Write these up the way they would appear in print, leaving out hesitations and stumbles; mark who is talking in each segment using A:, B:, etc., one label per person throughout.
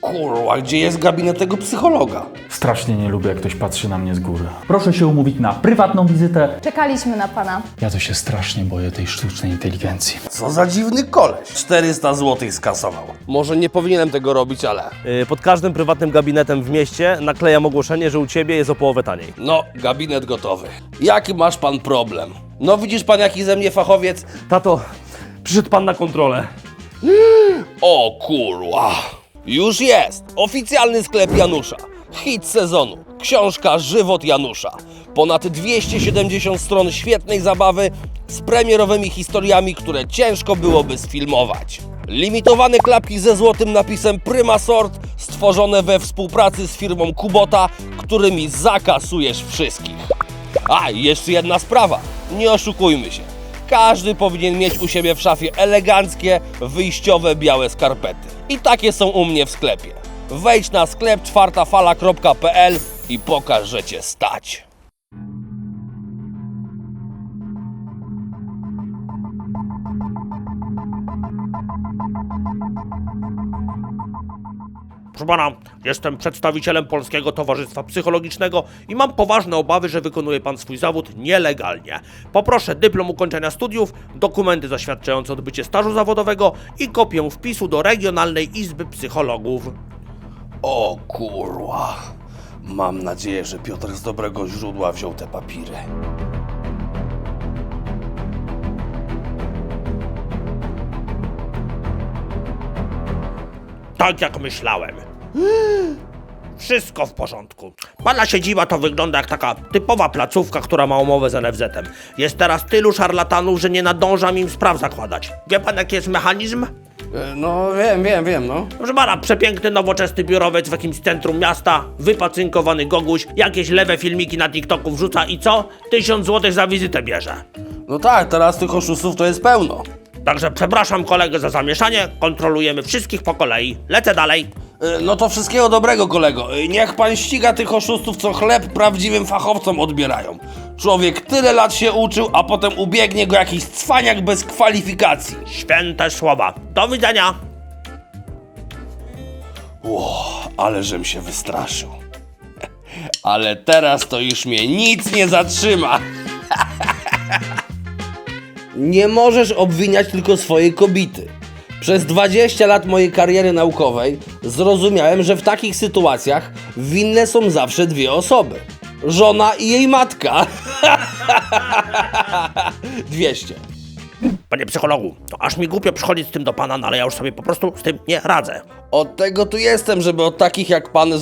A: Kurwa, gdzie jest gabinet tego psychologa?
B: Strasznie nie lubię, jak ktoś patrzy na mnie z góry. Proszę się umówić na prywatną wizytę.
C: Czekaliśmy na pana.
B: Ja to się strasznie boję tej sztucznej inteligencji.
A: Co za dziwny koleś. 400 zł skasował. Może nie powinienem tego robić, ale...
D: Pod każdym prywatnym gabinetem w mieście naklejam ogłoszenie, że u Ciebie jest o połowę taniej.
A: No, gabinet gotowy. Jaki masz pan problem? No widzisz pan, jaki ze mnie fachowiec?
D: Tato, przyszedł Pan na kontrolę.
A: O kurwa. Już jest. Oficjalny sklep Janusza. Hit sezonu. Książka Żywot Janusza. Ponad 270 stron świetnej zabawy z premierowymi historiami, które ciężko byłoby sfilmować. Limitowane klapki ze złotym napisem Prima Sort, stworzone we współpracy z firmą Kubota, którymi zakasujesz wszystkich. A, i jeszcze jedna sprawa. Nie oszukujmy się. Każdy powinien mieć u siebie w szafie eleganckie, wyjściowe białe skarpety. I takie są u mnie w sklepie. Wejdź na sklep czwartafala.pl i pokaż, że cię stać.
D: Proszę Pana, jestem przedstawicielem Polskiego Towarzystwa Psychologicznego i mam poważne obawy, że wykonuje Pan swój zawód nielegalnie. Poproszę dyplom ukończenia studiów, dokumenty zaświadczające odbycie stażu zawodowego i kopię wpisu do Regionalnej Izby Psychologów.
A: O kurwa. Mam nadzieję, że Piotr z dobrego źródła wziął te papiry.
D: Tak jak myślałem. Wszystko w porządku. Pana siedziba to wygląda jak taka typowa placówka, która ma umowę z NFZ-em. Jest teraz tylu szarlatanów, że nie nadążam im spraw zakładać. Wie pan, jaki jest mechanizm?
A: No wiem, no.
D: Proszę pana, przepiękny, nowoczesny biurowiec w jakimś centrum miasta, wypacynkowany goguś, jakieś lewe filmiki na TikToku wrzuca i co? 1000 zł za wizytę bierze.
A: No tak, teraz tych oszustów to jest pełno.
D: Także przepraszam kolegę za zamieszanie, kontrolujemy wszystkich po kolei. Lecę dalej.
A: No to wszystkiego dobrego, kolego. Niech pan ściga tych oszustów, co chleb prawdziwym fachowcom odbierają. Człowiek tyle lat się uczył, a potem ubiegnie go jakiś cwaniak bez kwalifikacji.
D: Święte słowa. Do widzenia.
A: Ale żem się wystraszył. Ale teraz to już mnie nic nie zatrzyma. Nie możesz obwiniać tylko swojej kobiety. Przez 20 lat mojej kariery naukowej zrozumiałem, że w takich sytuacjach winne są zawsze dwie osoby. Żona i jej matka. 200.
D: Panie psychologu, to aż mi głupio przychodzić z tym do pana, no ale ja już sobie po prostu z tym nie radzę.
A: Od tego tu jestem, żeby od takich jak pan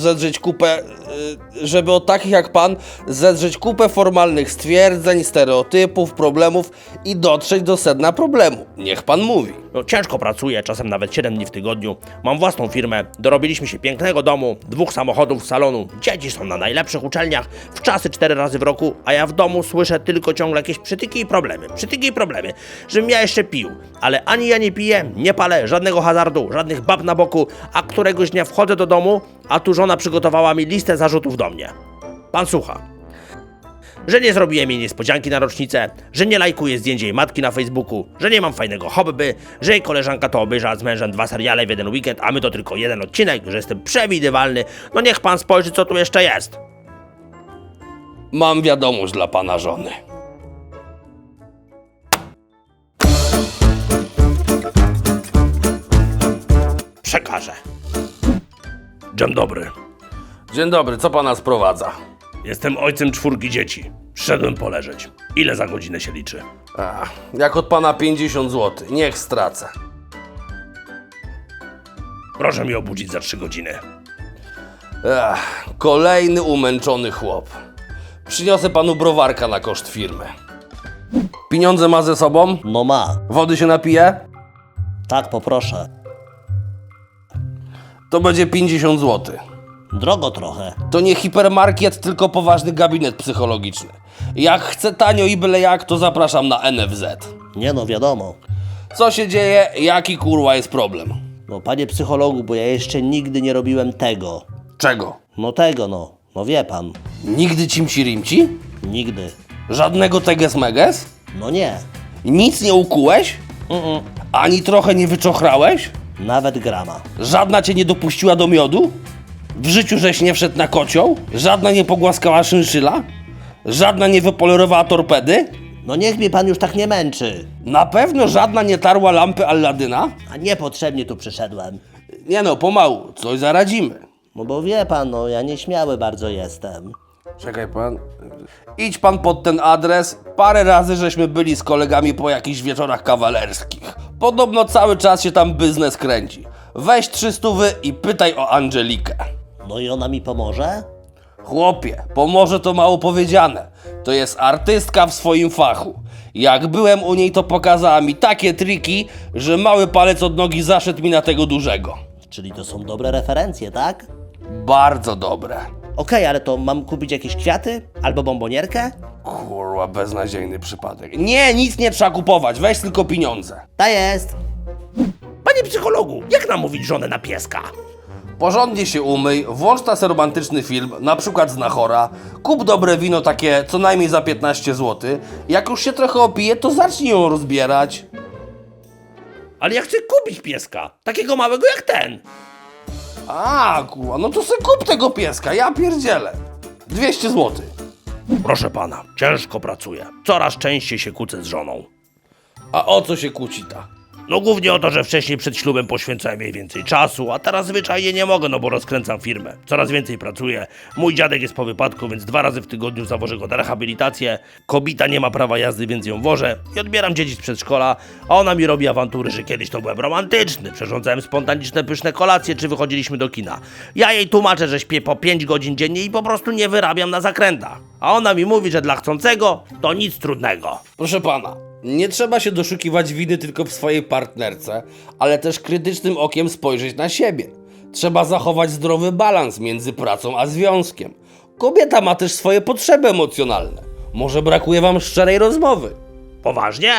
A: zedrzeć kupę formalnych stwierdzeń, stereotypów, problemów i dotrzeć do sedna problemu. Niech pan mówi.
D: No, ciężko pracuję, czasem nawet 7 dni w tygodniu. Mam własną firmę, dorobiliśmy się pięknego domu, 2 samochodów, salonu, dzieci są na najlepszych uczelniach, w czasy 4 razy w roku, a ja w domu słyszę tylko ciągle jakieś przytyki i problemy, żebym ja jeszcze pił. Ale ani ja nie piję, nie palę, żadnego hazardu, żadnych bab na boku, a któregoś dnia wchodzę do domu, a tu żona przygotowała mi listę zarzutów do mnie. Pan słucha. Że nie zrobiłem jej niespodzianki na rocznicę, że nie lajkuję zdjęć jej matki na Facebooku, że nie mam fajnego hobby, że jej koleżanka to obejrzała z mężem 2 seriale w jeden weekend, a my to tylko 1 odcinek, że jestem przewidywalny. No niech pan spojrzy, co tu jeszcze jest.
A: Mam wiadomość dla pana żony.
D: Przekażę. Dzień dobry.
A: Dzień dobry, co pana sprowadza?
D: Jestem ojcem 4 dzieci. Przyszedłem poleżeć. Ile za godzinę się liczy?
A: Jak od pana 50 zł, niech stracę.
D: Proszę mi obudzić za 3 godziny.
A: Kolejny umęczony chłop. Przyniosę panu browarka na koszt firmy. Pieniądze ma ze sobą?
E: No ma.
A: Wody się napije?
E: Tak, poproszę.
A: To będzie 50 zł.
E: Drogo trochę.
A: To nie hipermarket, tylko poważny gabinet psychologiczny. Jak chcę tanio i byle jak, to zapraszam na NFZ.
E: Nie no, wiadomo.
A: Co się dzieje? Jaki kurwa jest problem?
E: No panie psychologu, bo ja jeszcze nigdy nie robiłem tego.
A: Czego?
E: No tego no. No wie pan.
A: Nigdy cimci-rimci?
E: Nigdy.
A: Żadnego teges-meges?
E: No nie.
A: Nic nie ukułeś? Ani trochę nie wyczochrałeś?
E: Nawet grama.
A: Żadna cię nie dopuściła do miodu? W życiu żeś nie wszedł na kocioł? Żadna nie pogłaskała szynszyla? Żadna nie wypolerowała torpedy?
E: No niech mnie pan już tak nie męczy.
A: Na pewno żadna nie tarła lampy Alladyna?
E: A niepotrzebnie tu przyszedłem.
A: Nie no, pomału, coś zaradzimy.
E: No bo wie pan, no ja nieśmiały bardzo jestem.
A: Czekaj pan. Idź pan pod ten adres. Parę razy żeśmy byli z kolegami po jakichś wieczorach kawalerskich. Podobno cały czas się tam biznes kręci. Weź 300 i pytaj o Angelikę.
E: No i ona mi pomoże?
A: Chłopie, pomoże to mało powiedziane. To jest artystka w swoim fachu. Jak byłem u niej, to pokazała mi takie triki, że mały palec od nogi zaszedł mi na tego dużego.
E: Czyli to są dobre referencje, tak?
A: Bardzo dobre.
E: Okej, ale to mam kupić jakieś kwiaty? Albo bombonierkę?
A: Kurwa, beznadziejny przypadek. Nie, nic nie trzeba kupować, weź tylko pieniądze.
E: Ta jest.
D: Panie psychologu, jak namówić żonę na pieska?
A: Porządnie się umyj, włącz nas romantyczny film, na przykład Znachora, kup dobre wino takie co najmniej za 15 zł. Jak już się trochę opije, to zacznij ją rozbierać.
D: Ale ja chcę kupić pieska, takiego małego jak ten.
A: A, kurwa, no to se kup tego pieska, ja pierdzielę. 200 zł.
D: Proszę pana, ciężko pracuję. Coraz częściej się kłócę z żoną.
A: A o co się kłóci ta?
D: No głównie o to, że wcześniej przed ślubem poświęcałem jej więcej czasu, a teraz zwyczajnie nie mogę, no bo rozkręcam firmę. Coraz więcej pracuję. Mój dziadek jest po wypadku, więc 2 razy w tygodniu zawożę go na rehabilitację. Kobita nie ma prawa jazdy, więc ją wożę. I odbieram dzieci z przedszkola, a ona mi robi awantury, że kiedyś to byłem romantyczny. Przyrządzałem spontaniczne, pyszne kolacje, czy wychodziliśmy do kina. Ja jej tłumaczę, że śpię po 5 godzin dziennie i po prostu nie wyrabiam na zakrętach. A ona mi mówi, że dla chcącego to nic trudnego.
A: Proszę pana, nie trzeba się doszukiwać winy tylko w swojej partnerce, ale też krytycznym okiem spojrzeć na siebie. Trzeba zachować zdrowy balans między pracą a związkiem. Kobieta ma też swoje potrzeby emocjonalne. Może brakuje wam szczerej rozmowy.
D: Poważnie?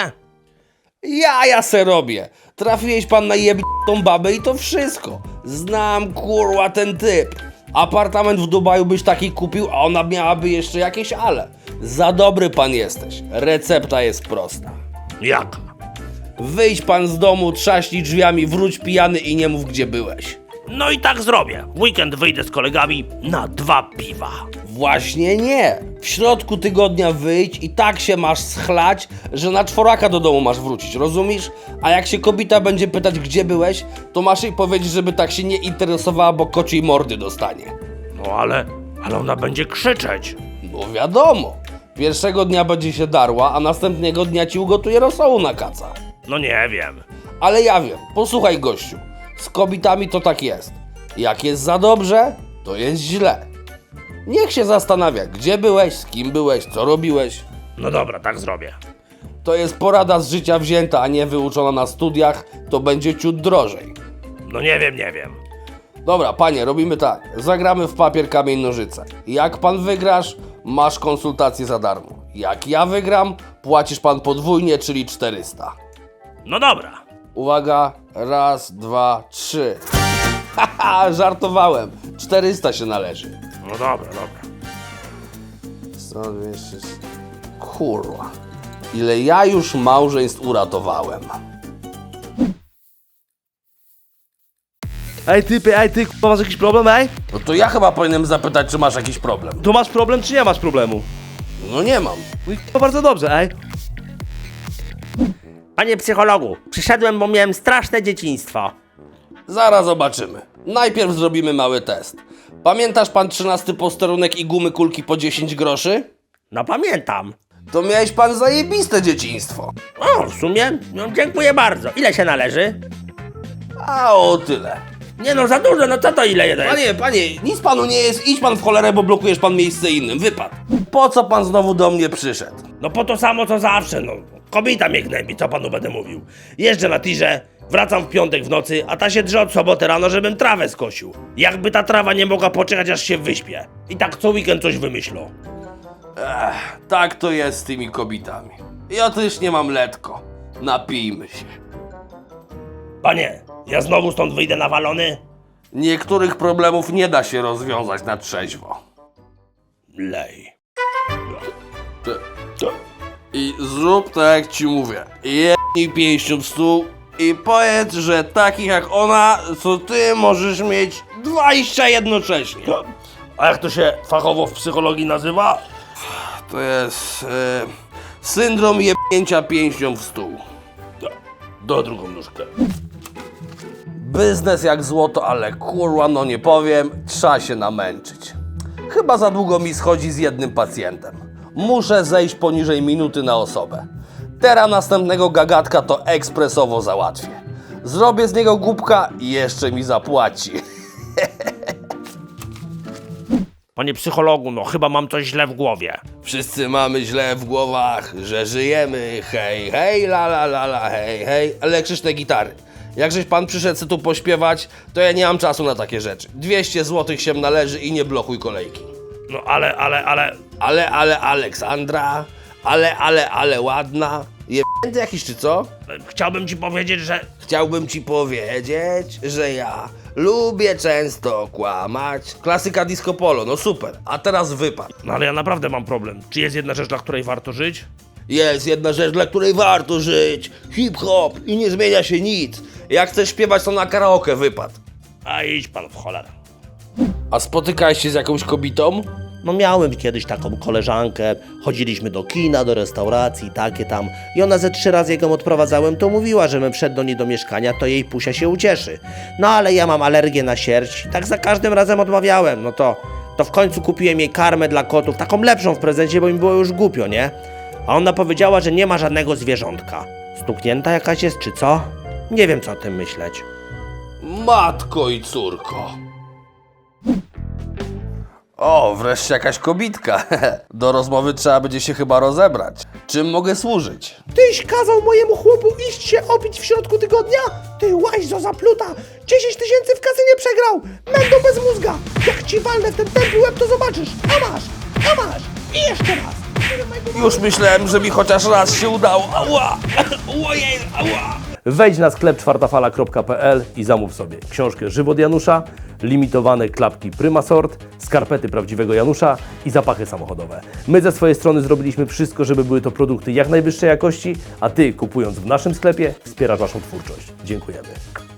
A: Ja se robię. Trafiłeś pan na jebitą babę i to wszystko. Znam kurwa ten typ. Apartament w Dubaju byś taki kupił, a ona miałaby jeszcze jakieś ale. Za dobry pan jesteś. Recepta jest prosta.
D: Jaka?
A: Wyjdź pan z domu, trzaśnij drzwiami, wróć pijany i nie mów gdzie byłeś.
D: No i tak zrobię. W weekend wyjdę z kolegami na 2 piwa.
A: Właśnie nie. W środku tygodnia wyjdź i tak się masz schlać, że na 4 do domu masz wrócić, rozumiesz? A jak się kobieta będzie pytać gdzie byłeś, to masz jej powiedzieć, żeby tak się nie interesowała, bo kociej mordy dostanie.
D: No ale ona będzie krzyczeć.
A: No wiadomo. Pierwszego dnia będzie się darła, a następnego dnia ci ugotuje rosołu na kaca.
D: No nie wiem.
A: Ale ja wiem, posłuchaj gościu, z kobietami to tak jest. Jak jest za dobrze, to jest źle. Niech się zastanawia, gdzie byłeś, z kim byłeś, co robiłeś.
D: No dobra, tak zrobię.
A: To jest porada z życia wzięta, a nie wyuczona na studiach, to będzie ciut drożej.
D: No nie wiem.
A: Dobra, panie, robimy tak. Zagramy w papier, kamień, nożyce. Jak pan wygrasz, masz konsultację za darmo. Jak ja wygram, płacisz pan podwójnie, czyli 400.
D: No dobra.
A: Uwaga, 1, 2, 3. Haha, żartowałem. 400 się należy.
D: No dobra.
A: 100, 200... Kurwa. Ile ja już małżeństw uratowałem.
C: Ej ty, masz jakiś problem, ej?
A: No to ja chyba powinienem zapytać, czy masz jakiś problem.
C: Tu masz problem, czy nie masz problemu?
A: No nie mam.
C: No i bardzo dobrze, ej.
D: Panie psychologu, przyszedłem, bo miałem straszne dzieciństwo.
A: Zaraz zobaczymy. Najpierw zrobimy mały test. Pamiętasz pan 13 posterunek i gumy kulki po 10 groszy?
D: No pamiętam.
A: To miałeś pan zajebiste dzieciństwo.
D: O, w sumie? No dziękuję bardzo. Ile się należy?
A: A o tyle.
D: Nie no, za dużo, no co to ile jeden?
A: Panie, nic panu nie jest, idź pan w cholerę, bo blokujesz pan miejsce innym, wypad. Po co pan znowu do mnie przyszedł?
D: No po to samo co zawsze, no. Kobieta mnie gnębi, co panu będę mówił. Jeżdżę na tirze, wracam w piątek w nocy, a ta się drze od soboty rano, żebym trawę skosił. Jakby ta trawa nie mogła poczekać, aż się wyśpię. I tak co weekend coś wymyślą.
A: Tak to jest z tymi kobietami. Ja też nie mam letko. Napijmy się.
D: Panie, ja znowu stąd wyjdę nawalony?
A: Niektórych problemów nie da się rozwiązać na trzeźwo.
D: Lej.
A: I zrób tak jak ci mówię. Jednij pięścią w stół i powiedz, że takich jak ona, co ty możesz mieć 20 jednocześnie.
D: A jak to się fachowo w psychologii nazywa?
A: To jest syndrom jebnięcia pięścią w stół.
D: Do drugą nóżkę.
A: Biznes jak złoto, ale kurwa, no nie powiem, trzeba się namęczyć. Chyba za długo mi schodzi z jednym pacjentem. Muszę zejść poniżej minuty na osobę. Teraz następnego gagatka to ekspresowo załatwię. Zrobię z niego głupka i jeszcze mi zapłaci.
D: Panie psychologu, no chyba mam coś źle w głowie.
A: Wszyscy mamy źle w głowach, że żyjemy, hej, hej, la la la la, hej, hej, elektryczne gitary. Jakżeś pan przyszedł se tu pośpiewać, to ja nie mam czasu na takie rzeczy. 200 zł się należy i nie blokuj kolejki.
D: No ale...
A: Ale Aleksandra, ale ładna. Jebnięty jakiś czy co?
D: Chciałbym ci powiedzieć, że...
A: Chciałbym ci powiedzieć, że ja lubię często kłamać. Klasyka disco polo, no super. A teraz wypad.
D: No ale ja naprawdę mam problem. Czy jest jedna rzecz, dla której warto żyć?
A: Jest jedna rzecz, dla której warto żyć. Hip-hop i nie zmienia się nic. Jak chcesz śpiewać, to na karaoke wypad.
D: A idź pan w cholerę.
A: A spotykałeś się z jakąś kobietą?
E: No miałem kiedyś taką koleżankę, chodziliśmy do kina, do restauracji, takie tam. I ona ze 3 razy jak ją odprowadzałem, to mówiła, że bym wszedł do niej do mieszkania, to jej pusia się ucieszy. No ale ja mam alergię na sierść, tak za każdym razem odmawiałem. No to w końcu kupiłem jej karmę dla kotów, taką lepszą w prezencie, bo mi było już głupio, nie? A ona powiedziała, że nie ma żadnego zwierzątka. Stuknięta jakaś jest, czy co? Nie wiem, co o tym myśleć.
A: Matko i córko. O, wreszcie jakaś kobitka. Do rozmowy trzeba będzie się chyba rozebrać. Czym mogę służyć?
E: Tyś kazał mojemu chłopu iść się opić w środku tygodnia? Ty łaźzo zapluta! 10 000 w kasynie przegrał! Mendo bez mózga! Jak ci walnę w ten tępy łeb, to zobaczysz! A masz! I jeszcze raz!
A: Już myślałem, że mi chociaż raz się udało. Ała! Ojej, ała!
C: Wejdź na sklep czwartafala.pl i zamów sobie książkę Żywot Janusza, limitowane klapki Prymasort, skarpety prawdziwego Janusza i zapachy samochodowe. My ze swojej strony zrobiliśmy wszystko, żeby były to produkty jak najwyższej jakości, a Ty, kupując w naszym sklepie, wspierasz naszą twórczość. Dziękujemy.